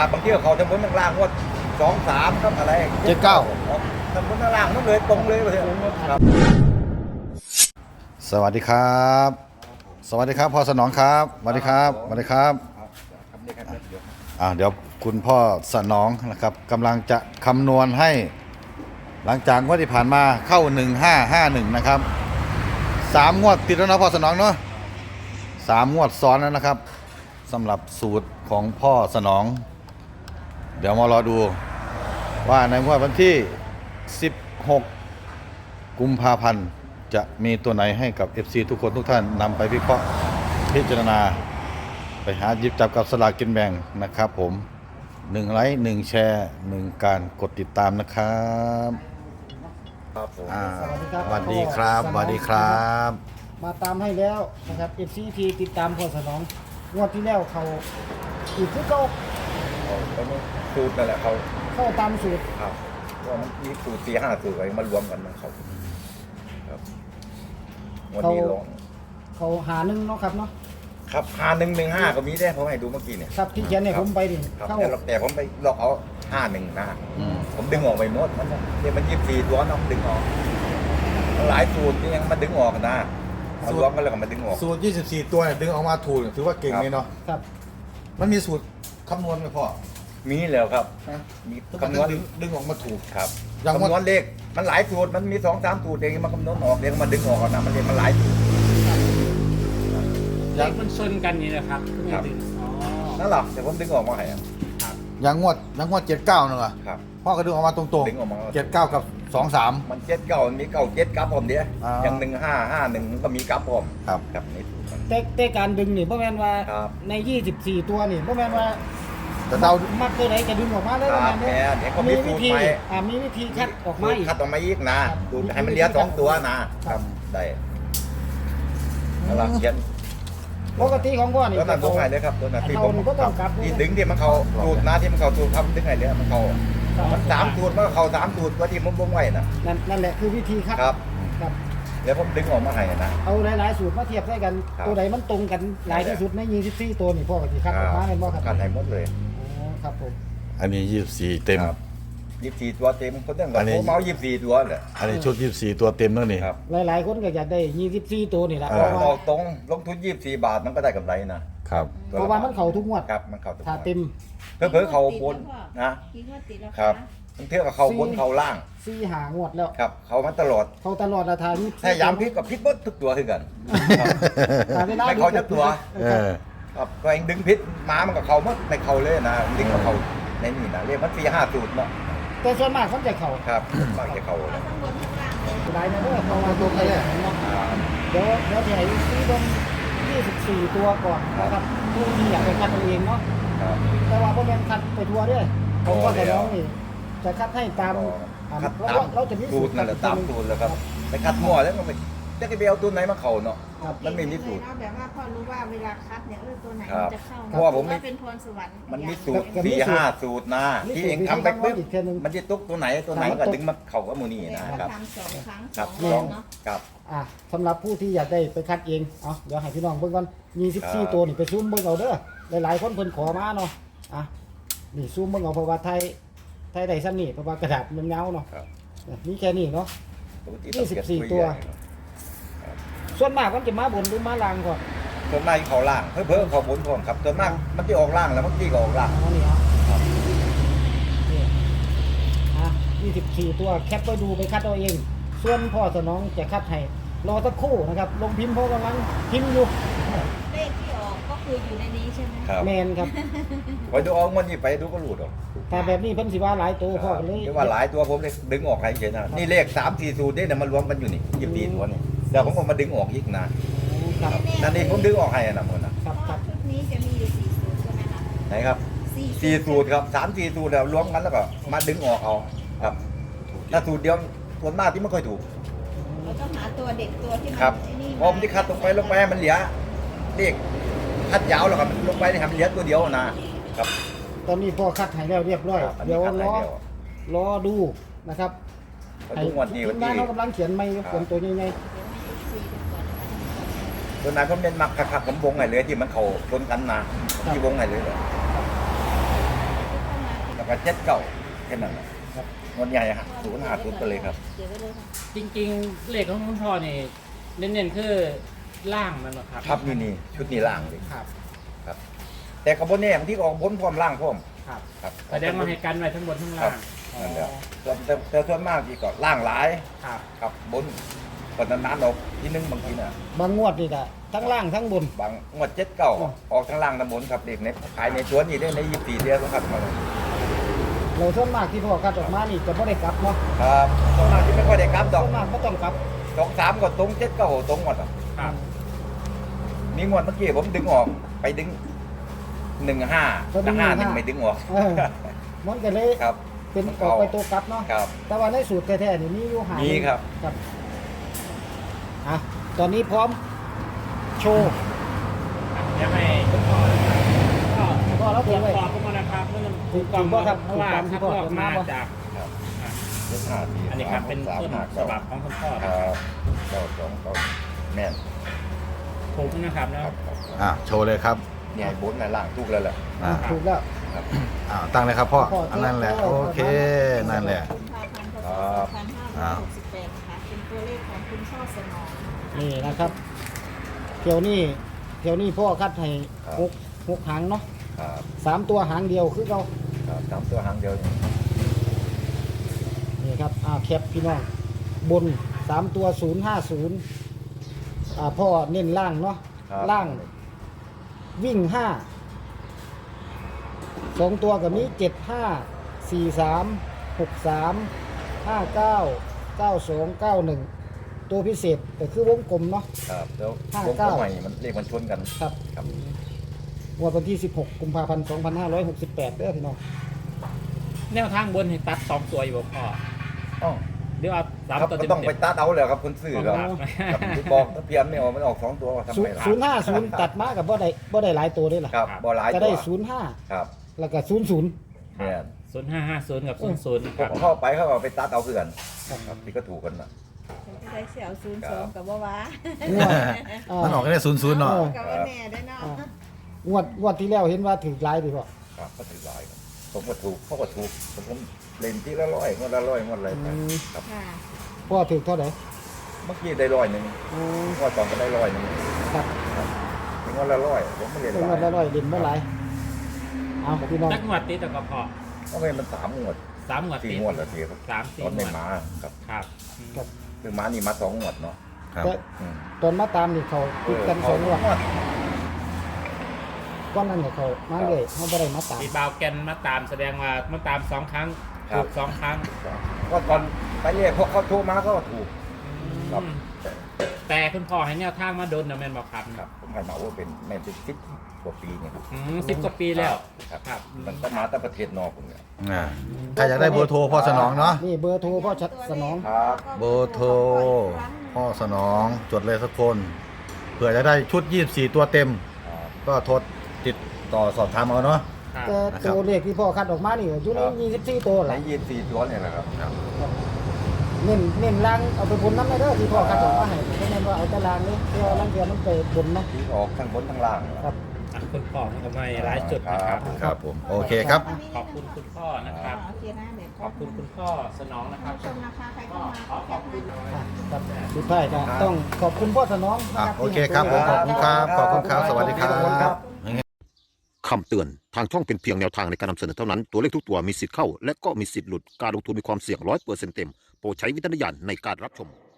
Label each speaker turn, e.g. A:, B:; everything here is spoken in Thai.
A: ครับบางทีเขาทำบนล่างว่า2-3ครับอะไร
B: 79
A: ทำบนล่างนั่นเลยตรงเลยประเทศครับ
B: สวัสดีครับ สวัสดีครับพ่อสนองครับสวัสดีครับสวัสดีครับเดี๋ยวคุณพ่อสนองนะครับกำลังจะคำนวณให้ หลังจากงวดที่ผ่านมาเข้า1551นะครับ3 งวดติดแล้วนะพ่อสนองเนาะ3 งวดซ้อนแล้วนะครับสำหรับสูตรของพ่อสนอง เดี๋ยวมารอดูว่าในงวดวันที่16 กุมภาพันธ์จะมีตัวไหนให้กับ FC ทุกคนทุกท่านนำไปวิเคราะห์พิจารณาไปหาหยิบจับกับสลากกินแบ่งนะครับผม1 ไลค์ 1 แชร์ 1 การกดติดตามนะครับ
A: ครับผม
B: สวัสดีครับสวัสดีครับ
C: มาตามให้แล้วนะครับ FCT ติดตามพ่อสนองงวดที่แล้วเขาอีกคือเขา
A: เขาสูตรนั่นแหละเขา
C: เข้าตามสูตร
A: ครับว่ามันมีสูตร4-5สูตรไว้มารวมกันมันเขาครับวันนี้ลอง
C: เขาหาหนึ่งเนาะครับเนาะ
A: ครับ5115ก็มีได้ผมให้ดูเมื่อกี้เนี่ย
C: ครับที่เขียนเนี่ยผมไปดิ
A: ครับ
C: เข้า
A: แต่ผมไปลอกเอา51นะผมดึงออกไปหมดมันเนี่ยมัน24ตัวน้องดึงออกหลายสูตรนี่ยังมาดึงออกนะมารวมกันแล้วก็มาดึงออก
B: สูตร 24 ตัวเนี่ยดึงออกมาถูกถือว่าเก่งเลยเนาะ
C: ครับ
B: มันมีสูตรคำนวณไหมพ่อ
A: มีแล้วครับ
B: ฮะ
A: มี
B: คำ
A: คำ
B: น
A: น
B: ว
A: ว
B: ณ
A: ณ
B: ดึงออกมาถูก
A: ครับ
B: อย่างว่า
A: คำนวณเลขมันหลายสูตรมันมี2-3สูตรเองมาคำนวณออกเองมาดึงออกนะมันเรียกมันหลายสูตร
D: เลขมันชนกันนี่แหละครับทุกอย่างอ๋อ
A: นั่นหรอแต่ผมดึงออกมาให้อะ
B: อย่างงวด79นึงอะ
A: ครับ
B: พ่อก็ดึงออกมาตรง
A: ดึงออกมา
B: 79 กับ 23
A: มัน79มันมี97กับผมเดียว
B: อ่า
A: อย่าง1551มันก็มีกับผม
B: ครับ
A: ครับนี่สูตรมัน
C: แต่การดึงนี่บ่แม่นว่า
A: ครับ
C: ใน 24 ตัวนี่บ่แม่นว่า
B: แต่เรา
C: มักตัวไหนจะดึงออกมาเลย
A: ค
C: บ่
A: รับ
C: แม่น
A: แม่
C: เนี่ย
A: เดี๋ยวก็มี
C: มี
A: สู
C: วิ
A: ตร
C: ธี
A: ใหม่
C: มีวิธีคัดออกมาอีก
A: คัดออกมาอีกนะครับ ดูให้มันเหลือ2ตัวนะครับ ได้แล้วเราเขียน
C: ปกติของพ่อนี่
A: ตัวนั้นตัวไหนเลยครับตัวนั้นที่ผม
C: เขาก็ต้องกลับด้วย
A: ที่ดึงที่มันเข้าสูตรนะที่มันเข้าสูตรครับดึงไงเลยมันเข้ามัน3สูตรมันก็เข้า3สูตรตัวที่ผมวงไว้นะ
C: นั่นแหละคือวิธีคัด
A: ครับ
C: ครับ
A: เดี๋ยวผมดึงออกมาให้นะ
C: เอาหลายๆสูตรมาเทียบใส่กัน
A: ครับ
C: ตัวใดมันตรงกันหลายที่สุดใน 24 ตัวนี่พ่อก็สิคัดออกมาเป็นบ่ครับ
A: คัดให้หมดเลย
C: อ๋อครับผม
B: อันนี้24 เต็ม
A: ครับ24ตัวเต็มคนตั้ง
B: อั
A: แต่
B: นนี้
A: ผมเอา24ตัวเลย
B: อันนี้ชุด 24 ตัวเต็มแล้วนี่
A: ครับ
C: หลายๆคนก็อยากได้ 24 ตัวนี่แหละ
B: เอ
C: เพ
B: อ
C: ราะว่า
A: เอาตรงลงทุน24 บาทมันก็ได้กำไรนะครับ
C: เพราะว่ามันเข้าทุกงวด
A: ครับมันเข้าทุก
C: ถ้าเต็ม
A: เพิ่มเขาบนนะ
E: กี่งวดติดแล้ว
A: ครับ
E: คะ
A: มันเท่ากับเขาบนเขาล่าง
C: 4 5งวดแล้ว
A: ครับ เขามาตลอด
C: เขาตลอดราคานี้
A: ถ้ายามพลิกกับพลิกหมดทุกตัวคือกันครับ
C: เวลา
A: ไม่เขาจะตัว
B: เออ
A: ครับก็เองดึงพิษม้ามันกับเขาหมดในเขาเลยนะดึงกับเขาในนี่นะเรียกมัน4-5สูตรเนาะ
C: แต่ส่วนมากเขาจะเข้า
A: ครับมากจะเขาเลย
E: ข้างบนข้างล่างเลย
C: หลายนะเด้อเพราะว่าตัวใครเนาะ
A: อ่า
C: เดี๋ยวจะให้ซื้อลง24 ตัวก่อนนะครับผู้ที่อยากไปคัดเอาเองเนาะ
A: ครับ
C: แต่ว่าบ่แม่นคัดไปทั่วเด้อผมว่าแต่น้องนี่จะคัดให้ตาม
A: คัด
C: เพราะ
A: ตาม
C: ว่าเราจะมี
A: สูตรนั่นแหละตามสูตรแล้วครับไปคัดมั่วแล้วก็ไปจะไปเอาตัวไหนมาเขาเนาะ
C: ครับ
A: มันไม่มีสูตร
E: เนาะแบบว่าพ่อรู้ว่าเวลาคัดเนี่ยตัวไหน
A: ครั
E: มั
A: บ
E: นจะเข้า
A: เพราะว่าผมไม่
E: เป็นพรสวรรค์
A: มันมี
E: อย่าง
A: สูตร4-5สูตรนะที่เองทำไปปุ๊บมันจะตุกตัวไหนตัวไหนก็ดึงมาเขาก็มูนี่นะครับ
E: ทำ2 ครั้ง
A: ครับ
E: 2
A: ลอง
E: เนาะ
A: ครับ
C: สำหรับผู้ที่อยากได้ไปคัดเองเอาเดี๋ยวให้พี่น้องเบิ่งก่อน
A: ครับ
C: 24 ตัวนี่ไปซูมเบิ่งเอาเด้อหลายๆคนเพิ่นขอมาเนาะนี่ซูมเบิ่งเอาเพราะว่าไทยได้ซ้ำนี่เพราะว่ากระดาษมันเงาเนาะ
A: ครับ
C: นี่แค่นี้เนาะ
A: ปกติต้องเก็บ
C: 24ตัว ส่วนมากมันจะมาบนหรือมาล่างก่อน
A: ส่วนมากเขาล่างเพิ่มเขาบนพร้อมครับส่วนมากมันจะออกล่างแล้วมันที่ก็ออกล่าง
C: เอานี่เอา
A: ครับ
C: นี่24 ตัวแคปไปดูไปคัดเอาเอง ส่วนพ่อสนองจะคัดให้รอสักครู่นะครับ ลงพิมพ์เพราะกำลังพิมพ์อยู่
E: เลขที่ออกก็คืออยู่ในนี้ใช่ไหม
A: ครับ
C: แมนครับ
A: ไปดูออกมันนี่ไปดูก็หลุดออก
C: แต่แบบนี้เพิ่นสิว่าหลายตัวพ่อก็เลย
A: เรียกว่าหลายตัวผมเลยดึงออกให้เฉยนะนี่เลข3-4สูตรเนี่ยมารวมกันอยู่นี่24ตัวนี่เดี๋ยวผมก็มาดึงออกอีกนะครับ นั่นนี่ผมดึงออกให้นะมันนะครับ
C: ครับ
E: ชุดนี้จะมีอยู่4 สูตรใช่ไหมคะ
A: ไหนครับ 4สูตรครับ3-4สูตรแล้วรวมกันแล้วก็มาดึงออกเอาครับถ้าสูตรเดียวส่วนมากที่ไม่ค่อยถูก
E: เราต้องหาตัวเด็กตัวที่มัน
A: ครับ
E: ไอ้นี่
A: พอผมที่คัดลงไปให้มันเหลือเลขคัดยาวแล้วครับลงไปให้มันเหลือตัวเดียวนะครับ
C: ตอนนี้พ่อคัดให้แล้วเรียบร้อย
A: ครับอัน
C: เดี๋
A: นี้
C: ยว
A: คัดให้
C: รอ
A: เดียว
C: รอดูนะครับ
A: ก็ทุกวันนี้
C: ที
A: วัน
C: มงา
A: ที่
C: นเขากำลังเขียนไม่เขียนตัวใหญ่
E: เดี๋ยวให้ FC ดูก่อนนะคะ
A: ตัวไหนผมเน้นมักคักๆผมวงไหนเลยที่มันเขาชนกันนะที่วงไหนเลยเหรอ
E: ท
A: กับเจ็ดเก่าแค่นั้นครับงวดใหญ่ฮะ050ไปเลยครับ
E: เก็บไว้เลยค่ะ
D: จริงๆเลขของคุณพ่อนี่เน้นๆคือล่างมันเหรอครับ
A: ครับนี่ชุดนี้ล่างเลย
D: ครับ
A: ครับ แต่กระบวนเนี่ยบางที่ก็ออกบนพร้อมล่างพร้อม
D: ครับ
A: ครับ
D: แสดงว่าให้กันไว้ทั้งบนทั้ง
A: ครั
D: ล่า
A: บ
D: ง
A: นั่นแหละแต่ส่วนมากที่ก็ล่างหลาย
D: ครับ
A: ครับบนก็นานๆออกที่นึงบางทีน่ะ
C: บางงวดนี่ก็ทั้งล่างทั้งบน
A: บางงวดเจ็ดเก่าออกทั้งล่างทั้งบนครับเด็กในขายในสวนนี่ได้ใน24 เดือนครับ
C: เราส่วนมากที่พ่อคัดออกมานี่จะไม่ได้กลับเนาะ
A: ครับส่วนมากที่ไม่ค่อยได้กลับด
C: ส่
A: อก
C: วนมากไม่ต้องกลับ
A: 2-3ก็ตรง7ก็ตรงหมดอ่ะ
D: ครับ
A: มีงวดเมื่อกี้ผมดึงออกไปดึง15แต่51ไม่ดึงออก
C: เออมันก็เลย
A: ครับ
C: เป็นออกไปตัวกลับเนาะ
A: ครับ
C: แต่ว่าในสูตรแท้ๆนี่มีอยู่หา
A: มีครับ
C: ครับอ่ะตอนนี้พร้อมโชว์
D: ยังไม่คุณพ่อนะครับก็
C: ก็แล้ว
D: ตร
C: เตรี
D: วย จ
C: มไว้
D: สอบเข้ามานะครับเมื่อ
C: ถูก
D: กล่อง
C: ถูกบ่ครับ
D: เพราะว่า
C: ถูกตามที่
D: คัด
C: พ่อ
D: ลอกมา
C: เขียนมาบ่
D: จาก
A: ครับ
D: อ่ะ
A: 15
D: อันนี้ครับเป็นต้นฉบับของคุณพ่อ
A: ค
D: นะ
A: รั
D: ครับ
A: บก็แม่น
D: ถูกนะครับแล้ว
A: ครับ
B: โชว์เลยครับ
A: เนี่ยบนในล่างทุกแล้วแหละ
B: อ่า
C: ถูกแล้ว
A: ครับ
B: ตั้งเลยครับพ่อ
C: พ่อ
B: อันนั้นแหละ
C: พ่อ
B: โอเคนั่นแหละ
E: กุมภาพันธ์พศ
B: อ่า
E: 2568นะคะเป็นตัวเลขของคุณช่อสนอง
C: นี่นะครับเที่ยวนี้พ่อคัดให้หกหางเนาะ
A: ครับ
C: 3 ตัวหางเดียวคือเรา
A: ครับตามตัวหางเดียวนี่
C: นี่ครับแคปพี่น้องบน3ตัว050พ่อเน้นล่างเนาะ
A: ครับ
C: ล่างวิ่ง5 2 ตัวกับนี้75 43 63 59 92 91 ตัวพิเศษแต่คือวงกลมเนาะ
A: ครับแล้ว
C: 59
A: วงกลมใหม่มันเลขมันชนกัน
C: ครับ
A: ครับ
C: งวดวันที่ 16 กุมภาพันธ์ 2568เด้อพี่น้อง
D: แนวทางบนให้ตัด2ตัวอยู่บ่พ่อ
A: อ๋อ
D: เดี๋ยวเอาสาม
A: ครับ
D: ตัว
A: ก็
D: เต็ม
A: ต้องไปตัดเอาเลยครับคนซื้อครับ
D: ครับ
A: ครับที่บอกถ้าเพียนไม่ออกมันออก2 ตัวทำไมล่ะ
C: 050 ตัดมากับบ่ได้หลายตัวด้วยล่ะ
A: ครับบ่หลาย
C: จะ
A: ตั
C: ได้
A: ว
C: 05
A: ครับ
C: แล้วก็ 00
A: เนี่ย
D: 0550กับ00
A: พ
D: คว รับ
A: กเข้าไปเขาเอาไปตัดเอาเพื่อนครับที่ก็ถูกกันนะ
E: ใช้เสี่ยว02กับว่าว้าง
C: วด
B: มันออกแค่00เนาะ
E: กับว่าแน่ได้เนาะ
C: งวดที่แล้วเห็นว่าถือหลายดีพ่อ
A: ครับก็ถือหลายครับผมก็ถูกเขาก็ถูกผมเล่นที่ละร้อยงวดละร้อยงวดอะไรไปครับ
E: ค่ะ
C: พ่อถือเท่าไหร่
A: เมื่อกี้ได้100งวดก่อนก็ได้100
C: ครับ
A: งวดละ100ผมไม่เล่น
C: งวดละร้อยเด่นเมื่อไหร่เอาพี่น้อง
D: จักงวดติดแต่ก็พอ
A: โอเคมัน3 งวด
D: 3งวดติด
A: 4 งวดแล้วทีครับ
D: 3-4
A: ตอนไม่
D: งวด
A: มาครับ
D: ครับ
C: ครับ
A: คือมานี่มา2 งวดเนาะ
B: ครับ
C: แต่
A: อืม
C: ตอนมาตามนี่เขาติดกันสองงวดก้อนนั้นเนี่ยเขามาเลยเขาบ่ได้มาตาม
D: มีบาวแกนมาตามแสดงว่ามาตาม2ครั้งถูก2ครั้ง
A: ก็ตอนไปเรียกพวกเขาโทรมาก็ถูก ครับ
D: แต่คุณพ่อให้แนวทางมาโดนนะแม่นบอกครับ
A: ครับผมให้มาว่าเป็นแม่เป็น10 กว่าปีเนี่ยครับ
D: 10 กว่าปีแล้ว
A: ครับ
D: ครับ
A: มันก็มาแต่ประเทศนอกผมเนี่ย
B: ใครอยากได้เบอร์โทรพ่อสนองเนาะ
C: นี่เบอร์โทรพ่อชัดสนอง
A: ครับ
B: เบอร์โทรพ่อสนองจดเลยสักคนเผื่อจะได้ชุด24ตัวเต็ม ก็โทรติดต่อสอบถามเอาเนาะ
D: ครับ
C: แต่
B: นะครับ
C: ตัวเลขที่พ่อคัดออกมานี่อยู่ใน24ตัว
A: ใน
C: ล่ะ
A: 24 ตัวเนี่ยแหละครับ
C: เน้นล่างเอาไปบนน้ำได้เด้อที่พ่อคัดออกมาให้เพราะนั้นว่าเอาแต่ล่างนี่เพื่อล่างเดียวมันไปบนเนาะ
A: ที่ออกทั้งบนทั้งล่าง
C: ครับ
D: อ่ะคุณพ่อมันก็ไม่ร้ายจุดนะครับ
B: ครับผมโอเคครับ
D: ขอบคุณคุณพ่อนะครับ
E: โอเคนะเดี๋ยว
D: ขอบคุณคุณพ่อสนองนะครับ
E: ชมนะคะใครเข้ามา
D: ขอขอบคุณ
C: ครับสุดท้ายก็ต้องขอบคุณพ่อสนองนะ
B: โอเคครับผมขอบคุณครับขอบคุณครับสวัสดีครั
A: ขอบคุณครับ บ
F: คำเตือน ทางช่องเป็นเพียงแนวทางในการนำเสนอเท่านั้น ตัวเลขทุกตัวมีสิทธิ์เข้า และก็มีสิทธิ์หลุด การลงทุนมีความเสี่ยง100%เต็ม โปรดใช้วิจารณญาณในการรับชม